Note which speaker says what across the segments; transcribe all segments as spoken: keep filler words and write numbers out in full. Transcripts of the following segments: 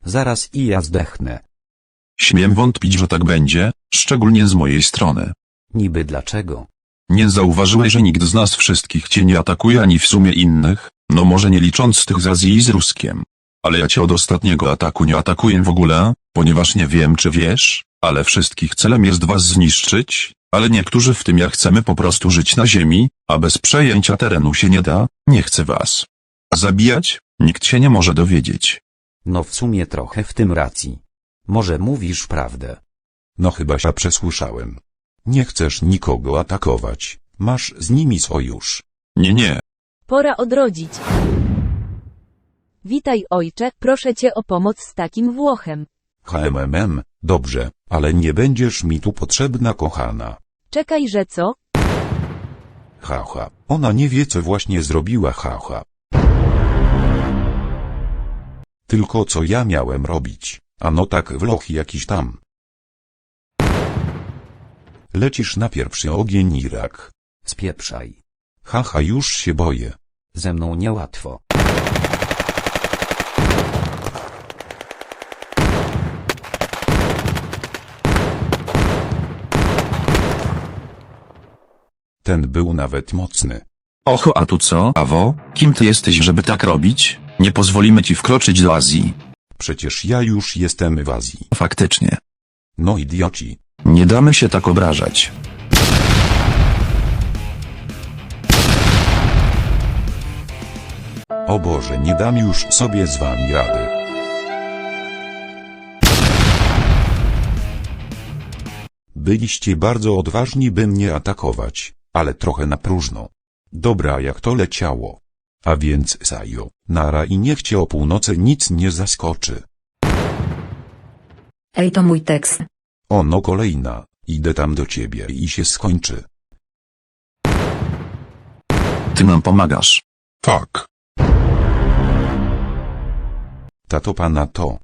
Speaker 1: Zaraz i ja zdechnę.
Speaker 2: Śmiem wątpić, że tak będzie, szczególnie z mojej strony.
Speaker 1: Niby dlaczego?
Speaker 2: Nie zauważyłeś, że nikt z nas wszystkich cię nie atakuje ani w sumie innych, no może nie licząc tych z Azji i z Ruskiem. Ale ja cię od ostatniego ataku nie atakuję w ogóle, ponieważ nie wiem czy wiesz, ale wszystkich celem jest was zniszczyć, ale niektórzy w tym ja chcemy po prostu żyć na ziemi, a bez przejęcia terenu się nie da, nie chcę was zabijać, nikt się nie może dowiedzieć.
Speaker 1: No w sumie trochę w tym racji. Może mówisz prawdę.
Speaker 3: No chyba się przesłyszałem. Nie chcesz nikogo atakować, masz z nimi sojusz.
Speaker 2: Nie nie,
Speaker 4: Pora odrodzić. Witaj ojcze, proszę cię o pomoc z takim Włochem.
Speaker 3: HMMM, dobrze, ale nie będziesz mi tu potrzebna kochana.
Speaker 4: Czekaj, że co?
Speaker 3: Haha, ona nie wie co właśnie zrobiła haha. Tylko co ja miałem robić, a no tak Włoch jakiś tam. Lecisz na pierwszy ogień Irak.
Speaker 1: Spieprzaj.
Speaker 3: Haha już się boję.
Speaker 1: Ze mną niełatwo.
Speaker 3: Ten był nawet mocny.
Speaker 2: oho a tu co, Awo, kim ty jesteś żeby tak robić? Nie pozwolimy ci wkroczyć do Azji.
Speaker 3: Przecież ja już jestem w Azji.
Speaker 2: Faktycznie.
Speaker 3: No idioci.
Speaker 2: Nie damy się tak obrażać.
Speaker 3: O Boże, nie dam już sobie z wami rady. Byliście bardzo odważni, by mnie atakować, ale trochę na próżno. Dobra, jak to leciało. A więc Sajo, nara i niech cię o północy nic nie zaskoczy.
Speaker 5: Ej, to mój tekst.
Speaker 3: O no kolejna, idę tam do ciebie i się skończy.
Speaker 2: Ty nam pomagasz.
Speaker 6: Tak.
Speaker 3: Tato pana to.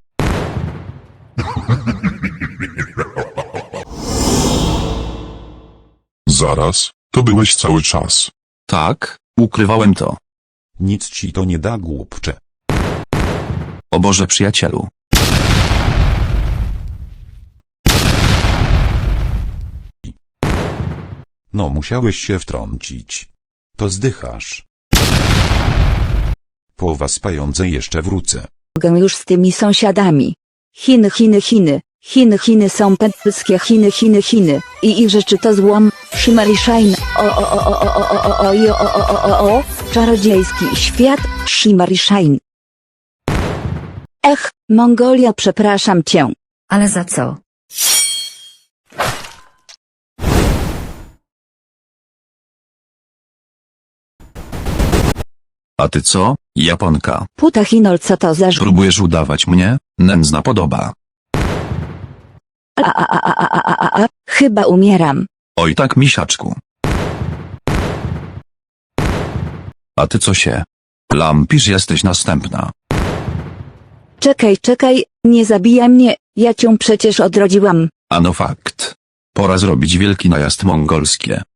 Speaker 6: Zaraz, to byłeś cały czas.
Speaker 2: Tak, ukrywałem to.
Speaker 3: Nic ci to nie da, głupcze.
Speaker 2: O Boże przyjacielu.
Speaker 3: No musiałeś się wtrącić. To zdychasz. Po was pajądze jeszcze wrócę.
Speaker 5: Mogę już z tymi sąsiadami. Chiny, Chiny, Chiny. Chiny, Chiny są pętyskie Chiny, Chiny, Chiny. I ich rzeczy to złom, Shimmery Shine. O, o, o, o, o, o, o, o, o, o, o, o, o, o, czarodziejski świat, Shimmery Shine. Ech, Mongolia, przepraszam cię. Ale za co?
Speaker 2: A ty co, Japonka?
Speaker 5: Puta Chinol, co to za ż...
Speaker 2: Próbujesz udawać mnie? Nędzna podoba.
Speaker 5: A, a, a, a, a, a, a, a, chyba umieram.
Speaker 2: Oj tak misiaczku. A ty co się? Lampisz jesteś następna.
Speaker 5: Czekaj, czekaj, nie zabijaj mnie, ja cię przecież odrodziłam.
Speaker 2: Ano fakt. Pora zrobić wielki najazd mongolskie.